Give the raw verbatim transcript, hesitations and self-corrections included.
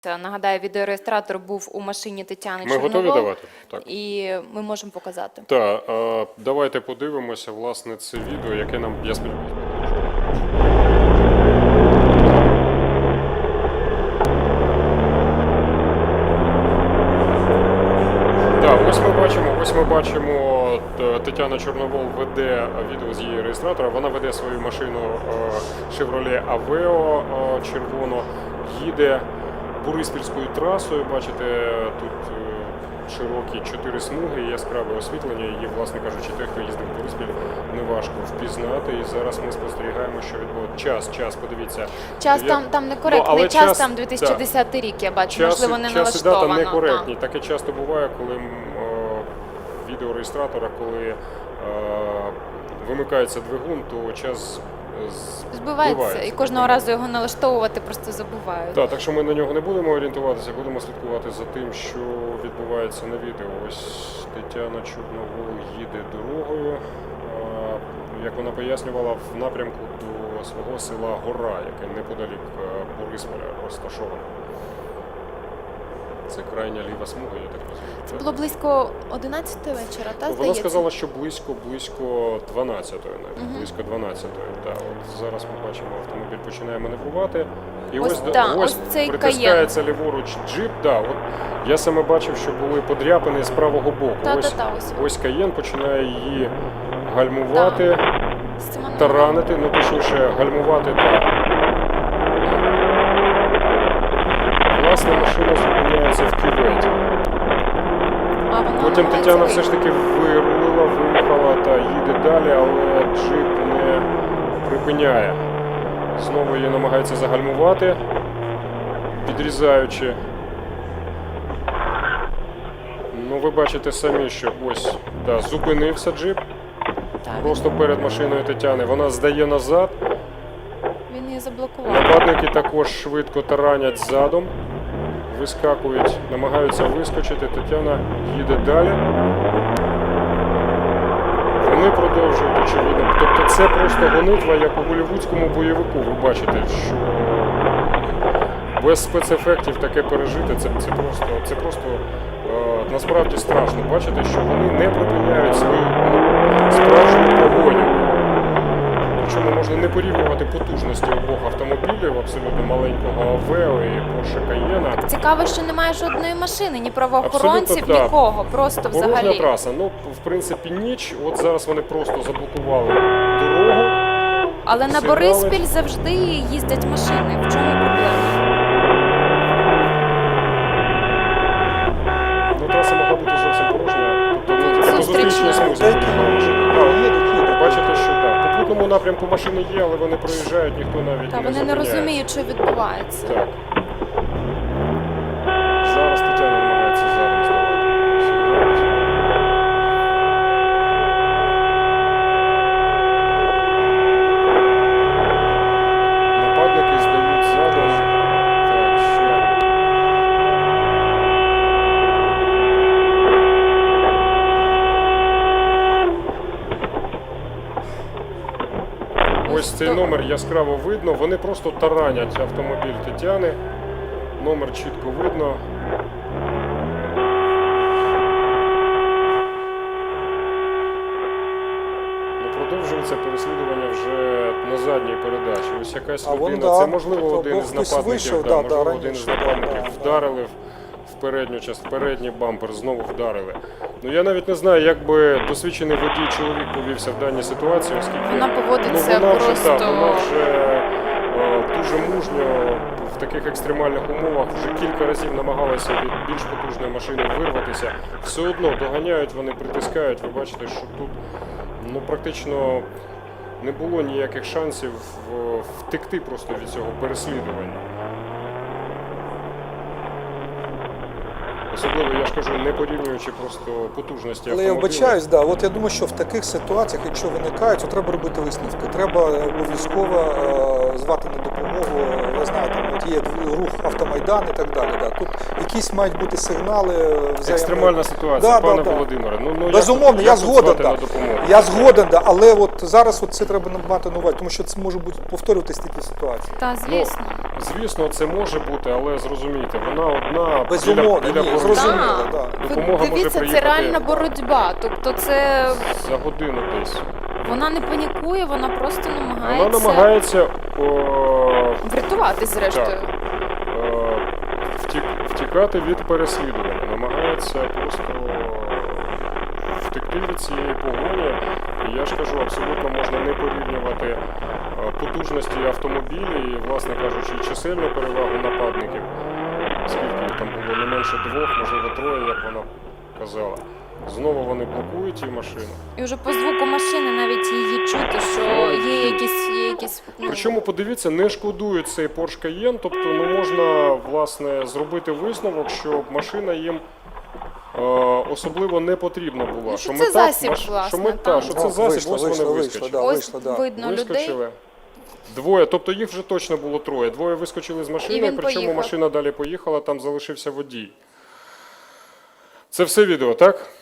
Нагадаю, відеореєстратор був у машині Тетяни Ми Чорновол. готові давати? Так. І ми можемо показати. Так, е, давайте подивимося, власне, це відео, яке нам, я сподіваюся, Так, ось ми бачимо, ось ми бачимо, Тетяна Чорновол веде відео з її реєстратора. Вона веде свою машину Chevrolet Aveo червоно, їде Бориспільською трасою. Бачите, тут широкі чотири смуги, яскраве освітлення. Її, власне кажучи, той, хто їздив в Бориспіль, неважко впізнати. І зараз ми спостерігаємо, що відбувається. Час, час, подивіться. Час Я... там, там некоректний, ну, час, час там дві тисячі десятий рік, я бачу, час, можливо, не час налаштовано. Час і дата некоректні. Таке часто буває, коли е, відеореєстратора, коли е, вимикається двигун, то час збивається, збивається. І кожного разу його налаштовувати просто забувають. Так, так що ми на нього не будемо орієнтуватися, будемо слідкувати за тим, що відбувається на відео. Ось Тетяна Чорновол їде дорогою, як вона пояснювала, в напрямку до свого села Гора, яке неподалік Борисполя розташоване. Це крайня ліва смуга, я так розумію. Це було близько одинадцятої вечора, так, Вона здається? сказала, що близько, близько дванадцятої, навіть, Угу. близько дванадцятої. Так, от зараз ми бачимо, автомобіль починає маневрувати. І ось, ось, да, ось, ось цей притискається ліворуч джип. Да, от я саме бачив, що були подряпини з правого боку. Та, ось, та, та, ось. ось Каєн починає її гальмувати, Да. таранити, ну точніше гальмувати так. Власне, машина зупиняється в кюветі. Потім Тетяна все ж таки вирулила, виїхала та їде далі, але джип не припиняє. Знову її намагається загальмувати, підрізаючи. Ну, ви бачите самі, що ось, да, зупинився джип. Так, Просто перед машиною Тетяни. Вона здає назад. Він її заблокував. Нападники також швидко таранять задом. Вискакують, намагаються вискочити. Тетяна їде далі. Вони продовжують, очевидно. Тобто це просто гонитва, як у голлівудському бойовику. Ви бачите, що без спецефектів таке пережити, це, це просто, це просто е, насправді страшно. Бачите, що вони не припиняють свою ну, справжню погоню. Причому можна не порівнювати потужності обох автомобілів, абсолютно маленького Aveo і Porsche Cayenne. Цікаво, що немає жодної машини, ні правоохоронців, Абсолютно, так. нікого, просто Порожня взагалі. траса. Ну, в принципі, ніч. От зараз вони просто заблокували дорогу. Але на Сигнали. Бориспіль завжди їздять машини. В чому проблема? Ну, траса могла бути зовсім порожня. Тобто, ну, Зустрічна. по зустрічній смузі їхали машини. Так, їдуть, їдуть. Бачите, що так. В попутному напрямку машини є, але вони проїжджають, ніхто навіть Та не вони не зупиняється. розуміють, що відбувається. Так. Зараз Тетяна намагається задом здавати. Сигналить. Нападники здають задом. Так, ще. Ось цей номер яскраво видно. Вони просто таранять автомобіль Тетяни. Номер чітко видно. Ну, продовжується переслідування вже на задній передачі. Ось якась А вон, людина, да, це можливо тобто один із хтось нападників, вийшов, да, да, можливо, да, один із раніше, нападників да, да. вдарили в передню частину, передній бампер, знову вдарили. Ну я навіть не знаю, як би досвідчений водій чоловік повівся в даній ситуації, оскільки Вона поводиться ну, вона вже, просто... так, вона вже е, дуже мужньо в таких екстремальних умовах вже кілька разів намагалася від більш потужної машини вирватися. Все одно доганяють, вони притискають. Ви бачите, що тут ну, практично не було ніяких шансів е, втекти просто від цього переслідування. Особливо, я ж кажу, не порівнюючи просто потужності Але я автомобіля. вбачаюсь, да. От я думаю, що в таких ситуаціях, якщо виникають, то треба робити висновки. Треба обов'язково е, звати на допомогу. Я знаю, там от є рух автомайдан і так далі. Да. Тут якісь мають бути сигнали. Взаємно... Екстремальна ситуація, да, пане да, Володимире. Ну, ну, безумовно, як, я як згоден. звати Да. на допомогу? Я згоден, да. Але от зараз от це треба мати на увазі, тому що це може бути повторюватись такі ситуації. Та, звісно. звісно, це може бути, але зрозумійте, вона одна Безумовно, біля, біля ні, блокпосту. зрозуміло, Так. да. Ви Допомога може дивіться, це приїхати реальна боротьба. Тобто це за годину десь. вона не панікує, вона просто Вона намагається намагається о, врятувати зрештою. так, е, втік, втікати від переслідування, намагається просто втекти від цієї погоні. І я ж кажу, абсолютно можна не порівнювати е, потужності автомобілів і, власне кажучи, чисельну перевагу нападників, скільки їх там було, не менше двох, можливо, троє, як вона казала. Знову вони блокують ті машини. І вже по звуку машини навіть її чути, що є якісь, є якісь ну, Причому, подивіться, не шкодують цей Porsche Cayenne, тобто ну, можна, власне, зробити висновок, що машина їм е, особливо не потрібна була. Ну, що це мета- засіб, маш- власне, що мета, там. що О, це засіб, вийшло, ось вийшло, вони вийшло, вискочили. да, ось вийшло, да. видно людей. Вискочили. Двоє, тобто їх вже точно було троє. Двоє вискочили з машини, І він причому поїхав. машина далі поїхала, там залишився водій. Це все відео, так?